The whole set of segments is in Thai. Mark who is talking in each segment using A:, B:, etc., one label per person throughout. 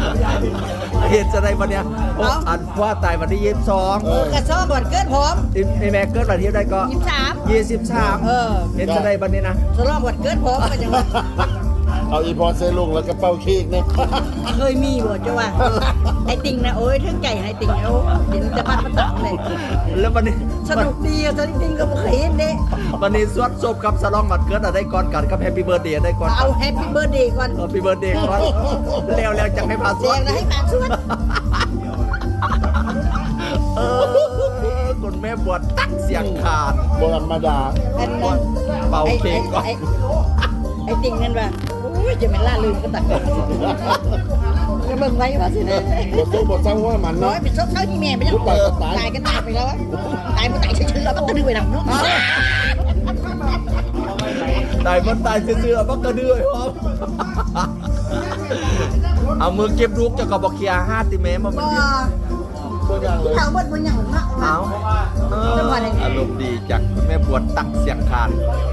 A: เห็นจะได้วันเนี้ยอันว่าตายวันที่22
B: กระซ้อมวันเกิดผม
A: ในแม่เกิดวันที่ได้ก็23เห็นจะได้วันนี้นะ
B: ฉลองวันเกิดผมก็ยัง
C: เอาอีพอเซลุงแล้วก็เป้าเค้กเนี่ย
B: เคยมีบ่จ้ะว่าไอ้ติ่งนะโอ้ยถึงใจไอ้ติ่งเอาเห็นแต่บ้านมันตักเลย
A: แล้ววันนี้
B: สนุกดีอ่ะจริงๆก็บ่เคยเห็นเด้
A: วันนี้สวดศพกับสลองวันเกิดได้ก่อนกันกับแฮปปี้เบิร์ดเดย์ได้ก่อน
B: เอาแฮปปี้เบิร์ดเดย์ก่อน
A: แฮปปี้เบิร์ดเดย์ก่อนแล้วจังให้ผ่านสวด
B: ให้ผ่านสวด
A: คุณแม่บวชตักเสียงขาด
C: โบราณมาดา
B: อันนั้น
A: เป่าเค้กก่อน
B: ไอ้ติ่งนั่นว่าโอ้ยจะไม่ล่าลืมก็ตักจะเบิ่งไว้ว่าสินะ
C: บทเศร้าว่ามัน
B: น้อยเป็นซบเท่าที่แม่ไปยังตายก็ตายไปแล้วตายมันตายเฉยๆแล้วมันก็ดื้อไปหนังเนาะ
A: ตายมันตายเฉยๆมันก็ดื้อครับเอามือเก็บลูกจะกระบอกเคีย5 ติเมตรมามัน
C: ตัวอย่างเลย
B: เขาเบิดมันอย่างเนาะ
A: เอาอารมณ์ดีจากแม่บวชตักเสียงขาด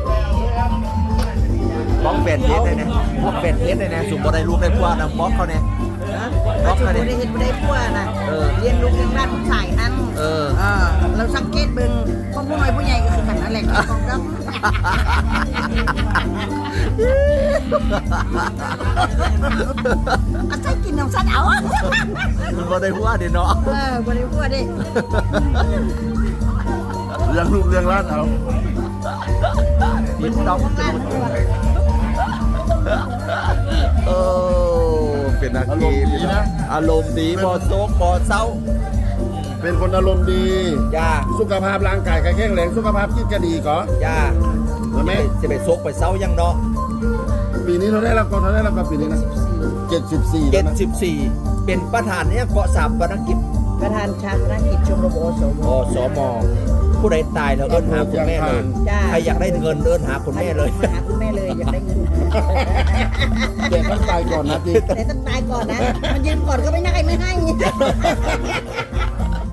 A: บล็อกแบนเทสได้เนี่ยบล็อกแบนเทสได้เนี่ยสุบได้ลูกได้พวกนะบล็อกเขาเนี่ย
B: บล็อกเขาเนี่ยได้เห็นได้พวกนะเรียนลูกเรียนบ้านผู้ชายอันเราสังเกตเบิ่งคนผู้น้อยผู้ใหญ่ก็คือกันนั่นแหละของเราใช่กินน้ำสัตว์เอา
A: มันบ่ได้พวกเดี๋ยวเนาะ
B: บ่ได้พวกดิ
C: เรื่องลูกเรื่องร้านเอา
A: กินต้องเป็นอากีนะอารมณ์ดีบอโซกบอเศร้า
C: เป็นคนอารมณ์ดี
A: จ้า
C: สุขภาพร่างกายแข็งแรงสุขภาพจิตก็ดีก่อน
A: จ้าแล้วแม่จะไปโซกไปเศร้ายังเนาะ
C: ปีนี้เราได้รับก่อนเราได้รับกับปีนี้นะ74
A: เป็นประธานเนี่ยเกาะ3ประกิจ
B: ประธานชาติกิจชมรม
A: อสมผู้ใดตายแล้วเอิ้นหาคุณแม่เลยใครอยากได้เงินเอิ้นหาคุณแม่เลย
B: มาหาคุณแม่เลยอยากได้เงิน
C: แต่ต้องตายก่อนนะ
B: แต่ต้องตายก่อนนะมันยืมก่อนก็ไม่ได้ไม่ให้